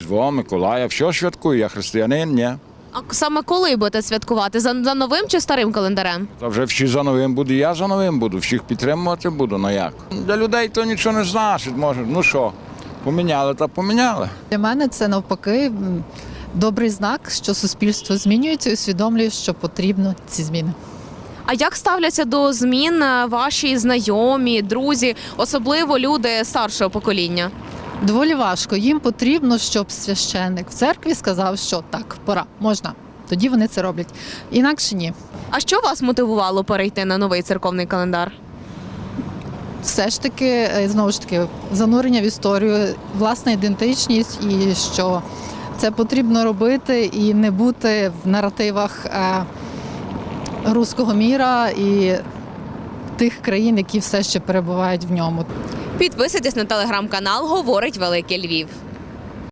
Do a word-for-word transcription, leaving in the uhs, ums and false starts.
Різдво, Миколая, все святкую, я християнин, ні. А саме коли будете святкувати? За, за новим чи старим календарем? Та вже всі за новим буду, я за новим буду, всіх підтримувати буду, ну як. Для людей то нічого не значить, може, ну що, поміняли та поміняли. Для мене це навпаки м, добрий знак, що суспільство змінюється і усвідомлює, що потрібно ці зміни. А як ставляться до змін е, ваші знайомі, друзі, особливо люди старшого покоління? Доволі важко. Їм потрібно, щоб священник в церкві сказав, що так, пора, можна. Тоді вони це роблять. Інакше ні. А що вас мотивувало перейти на новий церковний календар? Все ж таки, е, знову ж таки, занурення в історію, власна ідентичність і що це потрібно робити і не бути в наративах е, руського міра і тих країн, які все ще перебувають в ньому. Підписуйтесь на телеграм-канал «Говорить Великий Львів».